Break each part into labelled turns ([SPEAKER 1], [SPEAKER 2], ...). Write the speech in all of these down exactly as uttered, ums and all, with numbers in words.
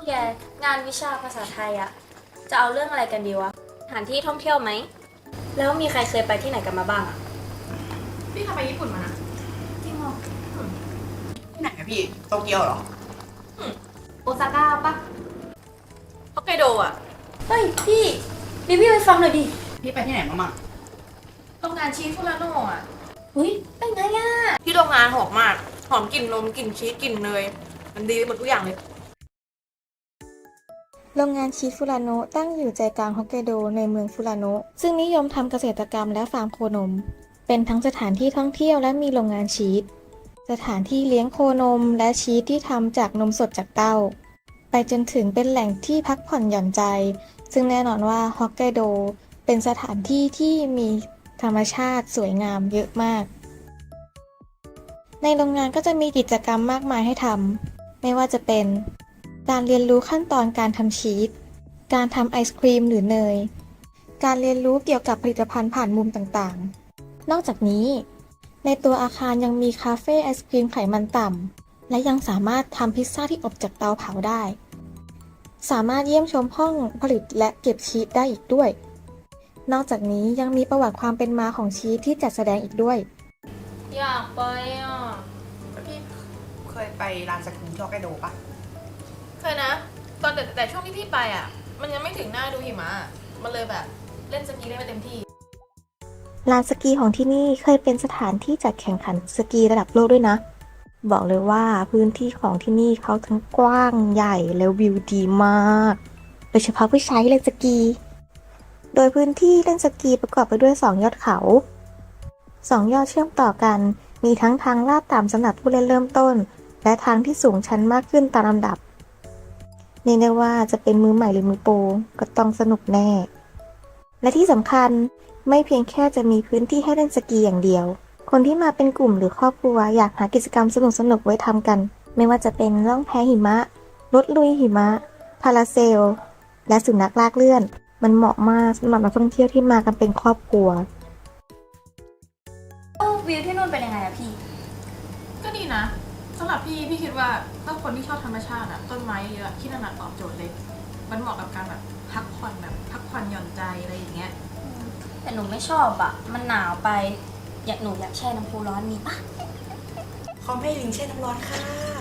[SPEAKER 1] แกงานวิชาภาษาไทยอะจะเอาเรื่องอะไรกันดีวะสถานที่ท่องเที่ยวไหมแล้วมีใครเคยไปที่ไหนกันมาบ้างอะ
[SPEAKER 2] พี่ทำไปญี่ปุ่นมานะ
[SPEAKER 1] จริงเหรอ
[SPEAKER 3] ที่ไหนอะพี่โตเกียวเหรอ
[SPEAKER 2] โอซาก้าปะฮอกไกโดอ่ะ
[SPEAKER 1] เฮ้ยพี่รีวิวให้ฟังหน่อยดิ
[SPEAKER 3] พี่ไปที่ไหนมามั่ง
[SPEAKER 2] โรงงานชีสฟูรานโน่อ่ะ
[SPEAKER 1] เฮ้ยเป็นไงอะ
[SPEAKER 2] ที่โรงงานหอมมากหอมกลิ่นนมกลิ่นชีสกลิ่นเนยมันดีไปหมดทุกอย่างเลย
[SPEAKER 4] โรงงานชีสฟูรานโนะตั้งอยู่ใจกลางฮอกไกโดในเมืองฟูรานโนะซึ่งนิยมทำเกษตรกรรมและฟาร์มโคนม เป็นทั้งสถานที่ท่องเที่ยวและมีโรงงานชีส สถานที่เลี้ยงโคนมและชีสที่ทำจากนมสดจากเต้า ไปจนถึงเป็นแหล่งที่พักผ่อนหย่อนใจ ซึ่งแน่นอนว่าฮอกไกโดเป็นสถานที่ที่มีธรรมชาติสวยงามเยอะมาก ในโรงงานก็จะมีกิจกรรมมากมายให้ทำ ไม่ว่าจะเป็นการเรียนรู้ขั้นตอนการทำชีส การทำไอศครีมหรือเนย การเรียนรู้เกี่ยวกับผลิตภัณฑ์ผ่านมุมต่างๆ นอกจากนี้ ในตัวอาคารยังมีคาเฟ่ไอศครีมไขมันต่ำ และยังสามารถทำพิซซ่าที่อบจากเตาเผาได้ สามารถเยี่ยมชมห้องผลิตและเก็บชีสได้อีกด้วย นอกจากนี้ยังมีประวัติความเป็นมาของชีสที่จัดแสดงอีกด้วย
[SPEAKER 1] อยากไปอ่ะ
[SPEAKER 3] พี่เคยไปร้านสกีที่ฮอกไกโดปะ
[SPEAKER 2] เคยนะตอนแต่แต่ช่วงที่พี่ไปอ่ะมันยังไม่ถึงหน้าดูหิมะมันเลยแบบเล่นสกีได้ไม่เต็มที่
[SPEAKER 4] ลานสกีของที่นี่เคยเป็นสถานที่จัดแข่งขันสกีระดับโลกด้วยนะ บอกเลยว่าพื้นที่ของที่นี่เขาทั้งกว้างใหญ่และวิวดีมาก โดยเฉพาะผู้ใช้เล่นสกี โดยพื้นที่เล่นสกีประกอบไปด้วยสองยอดเขา สองยอดเชื่อมต่อกัน มีทั้งทางลาดต่ำสำหรับผู้เล่นเริ่มต้น และทางที่สูงชันมากขึ้นตามลำดับเรียกได้ว่าจะเป็นมือใหม่หรือมือโปรก็ต้องสนุกแน่ และที่สำคัญไม่เพียงแค่จะมีพื้นที่ให้เล่นสกีอย่างเดียว คนที่มาเป็นกลุ่มหรือครอบครัวอยากหากิจกรรมสนุกๆไว้ทำกัน ไม่ว่าจะเป็นล่องแพหิมะ รถลุยหิมะ พาราเซล และสุนัขลากเลื่อน มันเหมาะมากสำหรับนักท่องเที่ยวที่มากันเป็นครอบครัว
[SPEAKER 1] วิวที่นู่นเป็นยังไงอะพี่
[SPEAKER 2] ก็ดีนะสำหรับพี่พี่คิดว่าถ้าคนที่ชอบธรรมชาติอะต้นไม้เยอะที่นั่นอะตอบโจทย์เลย มันเหมาะกับการแบบพักผ่อนแบบพักผ่อนหย่อนใจอะไรอย่างเงี้ย
[SPEAKER 1] แต่หนูไม่ชอบอะมันหนาวไปอยากหนูอยากแช่น้ำพุร้อนมีปะ
[SPEAKER 3] เขาไม่ลิงแช่น้ำร้อนค่ะ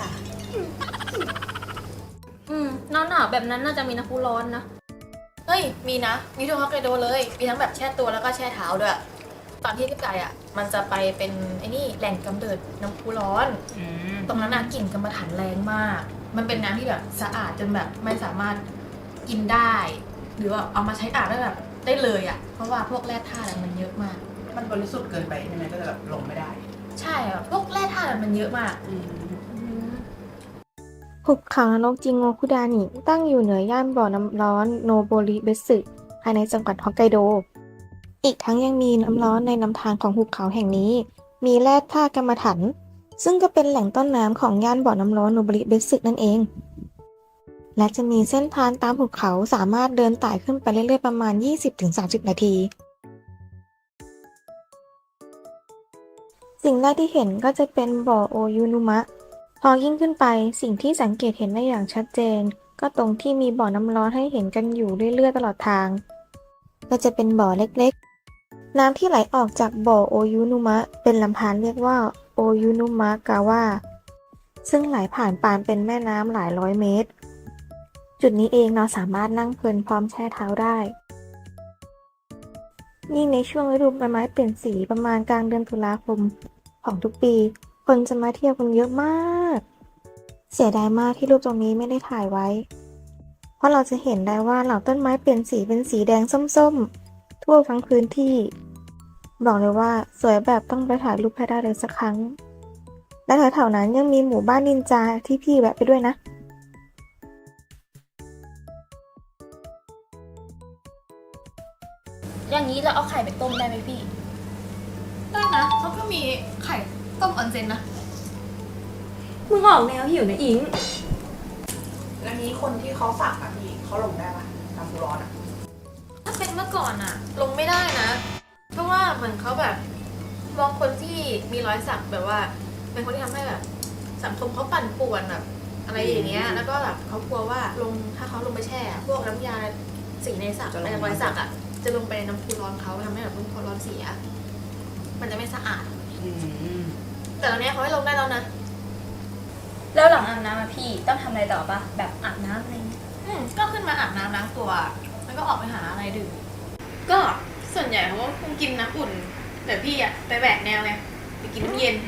[SPEAKER 1] อืมหนาวหนาวแบบนั้นน่าจะมีน้ำพุร้อนนะ
[SPEAKER 2] เฮ้ยมีนะมีทั่วฮอกไกโดเลยมีทั้งแบบแช่ตัวแล้วก็แช่เท้าด้วยตอนที่พี่ไปอ่ะมันจะไปเป็นไอ้นี่แหล่งกำเนิดน้ำพุร้อนตรงนั้นน่ะกลิ่นกรรมฐานแรงมาก มันเป็นน้ำที่แบบสะอาดจนแบบไม่สามารถกินได้ หรือว่าเอามาใช้อาบได้แบบได้เลยอ่ะเพราะว่าพวกแร่ธาตุอะมันเยอะมาก
[SPEAKER 3] มันบริสุทธิ์เกินไปใช่ไหมก็จะแบบลงไม่ได้
[SPEAKER 2] ใช่อ่ะพวกแร่ธาตุอะมันเยอะมาก
[SPEAKER 4] หุบเขานรกจิงโงคุดานิตั้งอยู่เหนือย่านบ่อน้ำร้อนโนโบริเบสึภายในจังหวัดฮอกไกโด อีกทั้งยังมีน้ำร้อนในลำธารของหุบเขาแห่งนี้ มีแร่ธาตุกรรมะถัน ซึ่งก็เป็นแหล่งต้นน้ำของย่านบ่อน้ำร้อนโนโบริเบสึนั่นเอง และจะมีเส้นทางตามหุบเขาสามารถเดินไต่ขึ้นไปเรื่อยๆประมาณ ยี่สิบถึงสามสิบ นาที สิ่งแรกที่เห็นก็จะเป็นบ่อโอยุนุมะ พอยิ่งขึ้นไปสิ่งที่สังเกตเห็นได้อย่างชัดเจน ก็ตรงที่มีบ่อน้ำร้อนให้เห็นกันอยู่เรื่อยๆตลอดทาง ก็จะเป็นบ่อเล็กๆ น้ำที่ไหลออกจากบ่อโอยุนุมะเป็นลำธารเรียกว่าโอยุนุมะกาวะซึ่งไหลผ่านปานเป็นแม่น้ำหลายร้อยเมตร จุดนี้เองเราสามารถนั่งเพลินพร้อมแช่เท้าได้ยิ่งในช่วงฤดูใบไม้เปลี่ยนสีประมาณกลางเดือนตุลาคมของทุกปี คนจะมาเที่ยวกันเยอะมาก เสียดายมากที่รูปตรงนี้ไม่ได้ถ่ายไว้ เพราะเราจะเห็นได้ว่าเหล่าต้นไม้เปลี่ยนสีเป็นสีแดงส้มๆ ทั่วทั้งพื้นที่ บอกเลยว่าสวยแบบต้องไปถ่ายรูปให้ได้เลยสักครั้ง และแถวๆนั้นยังมีหมู่บ้านนินจาที่พี่แวะไปด้วยนะ
[SPEAKER 1] อย่างนี้เราเอาไข่ไปต้มได้ไหมพี่
[SPEAKER 2] ได้นะเขาก็มีไข่ต้มออนเซ็นนะ
[SPEAKER 1] มึงออกแนวหิวนะอิง
[SPEAKER 3] แล้วนี้คนที่เขาฝากอะพี่เขาลงได้ปะน้ำพุร้อนอะ
[SPEAKER 2] ถ้าเป็นเมื่อก่อนอะลงไม่ได้นะเพราะว่าเหมือนเขาแบบมองคนที่มีรอยสักแบบว่าเป็นคนที่ทำให้แบบสังคมเขาปั่นป่วนแบบอะไรอย่างเงี้ยแล้วก็แบบเขากลัวว่าลงถ้าเขาลงไปแช่ พวกน้ำยาสีในสักอะไรรอยสักอ่ะจะลงไปในน้ำพุร้อนเขาทำให้แบบน้ำพุร้อนเสีย มันจะไม่สะอาด
[SPEAKER 3] อืม
[SPEAKER 2] แต่ตอนนี้เขาให้ลงได้แล้วนะ
[SPEAKER 1] แล้วหลังอาบน้ำอะพี่ต้องทำอะไรต่อปะแบบอาบน้ำอะไรเงี้ย
[SPEAKER 2] อืมก็ขึ้นมาอาบน้ำล้างตัว แล้วก็ออกไปหาอะไรดื่ม ก็ส่วนใหญ่เขาก็คงกินน้ำอุ่น แต่พี่อะไปแบกแนวไงไปกินน้ำเย็น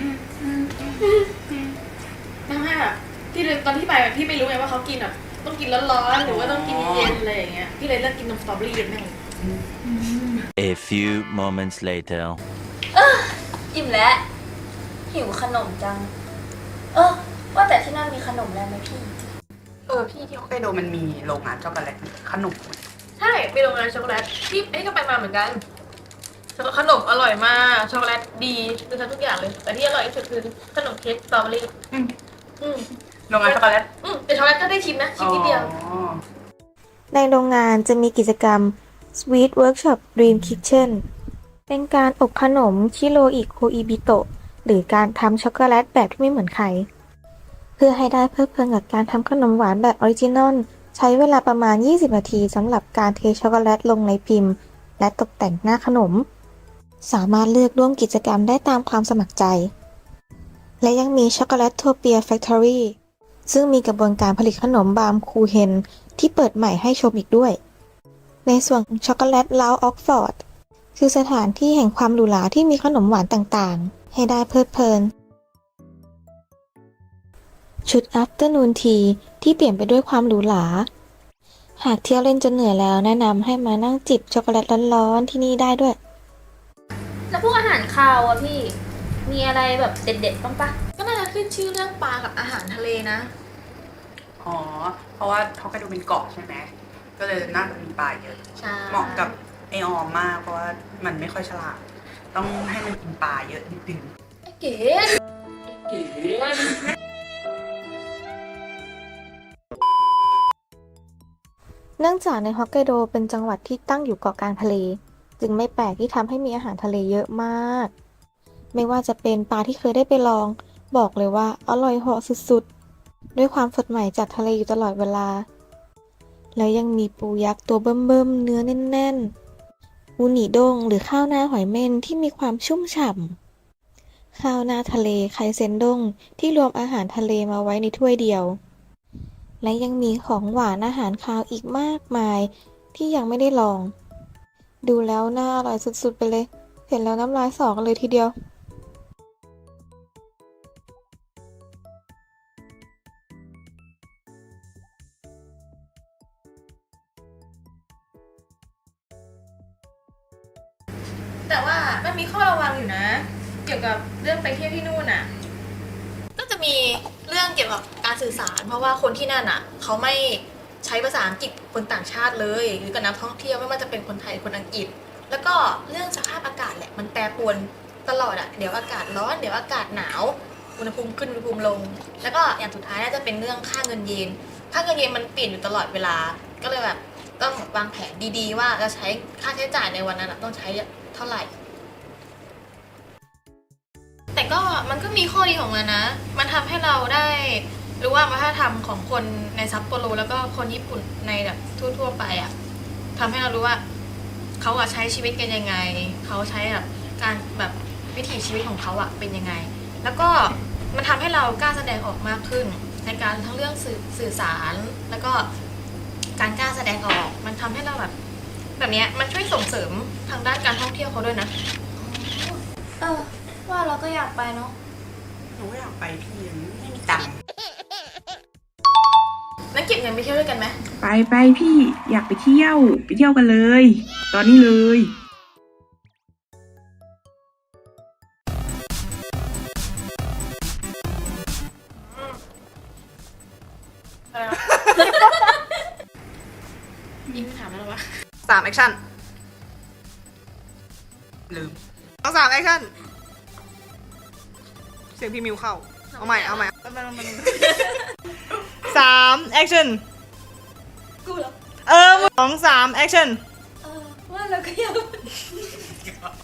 [SPEAKER 2] ทำให้แบบพี่เลยตอนที่ไปแบบพี่ไม่รู้ไงว่าเขากินแบบต้องกินร้อนๆหรือว่าต้องกินเย็นๆอะไรอย่างเงี้ย พี่เลยเลือกกินนมสตรอเบอรี่เย็นแม่ง
[SPEAKER 5] A few moments later.
[SPEAKER 1] อิ่มแล้วหิวขนมจัง เออว่าแต่ที่นั่นมีขนมอะไรไหมพี่
[SPEAKER 3] เออพี่ที่ฮอกไกโดมันมีโรงงานช็อกโกแลตขนม
[SPEAKER 2] ใช่ไปโรงงานช็อกโกแลตพี่ไอ้นี่ก็ไปมาเหมือนกันขนมอร่อยมากช็อกโกแลตดีคือทำทุกอย่างเลย แต่ที่อร่อยที่สุดคือขนมเค้กสตรอเบอรี่
[SPEAKER 3] อืม
[SPEAKER 2] อืม
[SPEAKER 3] โรงงานช็อกโกแลต
[SPEAKER 2] อืมแต่ช็อกโกแลตก็ได้ชิมนะชิมนิดเดียว
[SPEAKER 3] อ๋อ
[SPEAKER 4] ในโรงงานจะมีกิจกรรม Sweet Workshop Dream Kitchen เป็นการอบขนมชิโรอิโคอิบิโตะหรือการทำช็อกโกแลตแบบที่ไม่เหมือนใคร เพื่อให้ได้เพลิดเพลินกับการทำขนมหวานแบบออริจินอลใช้เวลาประมาณ ยี่สิบ นาทีสำหรับการเทช็อกโกแลตลงในพิมพ์ และตกแต่งหน้าขนม สามารถเลือกร่วมกิจกรรมได้ตามความสมัครใจ และยังมีช็อกโกแลตโทเปียแฟคทอรี่ซึ่งมีกระบวนการผลิตขนมบามคูเฮนที่เปิดใหม่ให้ชมอีกด้วย ในส่วนของช็อกโกแลตลาวออกฟอร์ดคือสถานที่แห่งความหรูหราที่มีขนมหวานต่างๆ ให้ได้เพลิดเพลิน ชุด Afternoon Tea ที่เปลี่ยนไปด้วยความหรูหรา หากเที่ยวเล่นจนเหนื่อยแล้วแนะนำให้มานั่งจิบช็อกโกแลตร้อนๆที่นี่ได้ด้วย
[SPEAKER 1] แล้วพวกอาหารคาวอะพี่ มีอะไรแบบเด็ดๆบ้างปะ
[SPEAKER 2] ก็น่าจะขึ้นชื่อเรื่องปลากับอาหารทะเลนะ
[SPEAKER 3] อ๋อ เพราะว่าฮอกไกโดเป็นเกาะใช่ไหม ก็เลยน่าจะมีปลาเยอะ
[SPEAKER 2] ใช่
[SPEAKER 3] เหมาะกับไอออมมาก เพราะว่ามันไม่ค่อยฉลาด ต้องให้มันกินปลาเยอะนิดนึง
[SPEAKER 2] เก๋
[SPEAKER 4] เนื่องจากในฮอกไกโดเป็นจังหวัดที่ตั้งอยู่เกาะกลางทะเล จึงไม่แปลกที่ทำให้มีอาหารทะเลเยอะมาก ไม่ว่าจะเป็นปลาที่เคยได้ไปลอง บอกเลยว่าอร่อยเหาะสุดๆ ด้วยความสดใหม่จากทะเลอยู่ตลอดเวลา แล้วยังมีปูยักษ์ตัวเบิ่มๆเนื้อแน่นๆอูนิด้งหรือข้าวหน้าหอยเม่นที่มีความชุ่มฉ่ำข้าวหน้าทะเลไคเซนด้งที่รวมอาหารทะเลมาไว้ในถ้วยเดียว และยังมีของหวานอาหารคาวอีกมากมายที่ยังไม่ได้ลอง ดูแล้วน่าอร่อยสุดๆไปเลย เห็นแล้วน้ำลายสอกันเลยทีเดียว
[SPEAKER 2] แต่ว่ามันมีข้อระวังอยู่นะ เกี่ยวกับเรื่องไปเที่ยวที่นู่นน่ะ ก็จะมีเรื่องเกี่ยวกับการสื่อสาร เพราะว่าคนที่นั่นอ่ะเขาไม่ใช้ภาษาอังกฤษคนต่างชาติเลย หรือกับนักท่องเที่ยวไม่ว่าจะเป็นคนไทยคนอังกฤษ แล้วก็เรื่องสภาพอากาศแหละมันแปรปรวนตลอดอ่ะเดี๋ยวอากาศร้อนเดี๋ยวอากาศหนาวอุณหภูมิขึ้นอุณหภูมิลง แล้วก็อย่างสุดท้ายน่าจะเป็นเรื่องค่าเงินเยนค่าเงินเยนมันเปลี่ยนอยู่ตลอดเวลา ก็เลยแบบต้องวางแผนดีๆ ว่าจะใช้ค่าใช้จ่ายในวันนั้นอะต้องใช้เท่าไหร่ แต่ก็มันก็มีข้อดีของมันนะ มันทำให้เราได้รู้ว่าวัฒนธรรมของคนในซัปโปโรแล้วก็คนญี่ปุ่นในแบบทั่วๆไปอะทำให้เรารู้ว่าเขาอะใช้ชีวิตกันยังไง เขาใช้แบบการแบบวิถีชีวิตของเขาอะเป็นยังไง แล้วก็มันทำให้เรากล้าแสดงออกมากขึ้น ในการทั้งเรื่องสื่อสื่อสารแล้วก็การกล้าแสดงออก มันทำให้เราแบบแบบเนี้ยมันช่วยส่งเสริมทางด้านการท่องเที่ยวเขาด้วยนะ
[SPEAKER 1] เออ ว่าเราก็อยากไปเนาะ
[SPEAKER 3] หนูก็อยากไปพี่ยังไม่มีตังค์
[SPEAKER 2] แล้วเก็บเงินไปเที่ยวด้วยกันไหม
[SPEAKER 6] ไปไปพี่อยากไปเที่ยว ไปเที่ยวกันเลย ตอนนี้เลย
[SPEAKER 2] ยิงถามแล้ววะ
[SPEAKER 3] สามแอคชั่น ลืมต้องสามแอคชั่น เสียงพี่มิวเข้า เอาใหม่ เอาใหม่สามแอคชั่น
[SPEAKER 2] กูเหรอ
[SPEAKER 3] เออสองสามแอคชั่น
[SPEAKER 1] เออ ว่าเราก็อยาก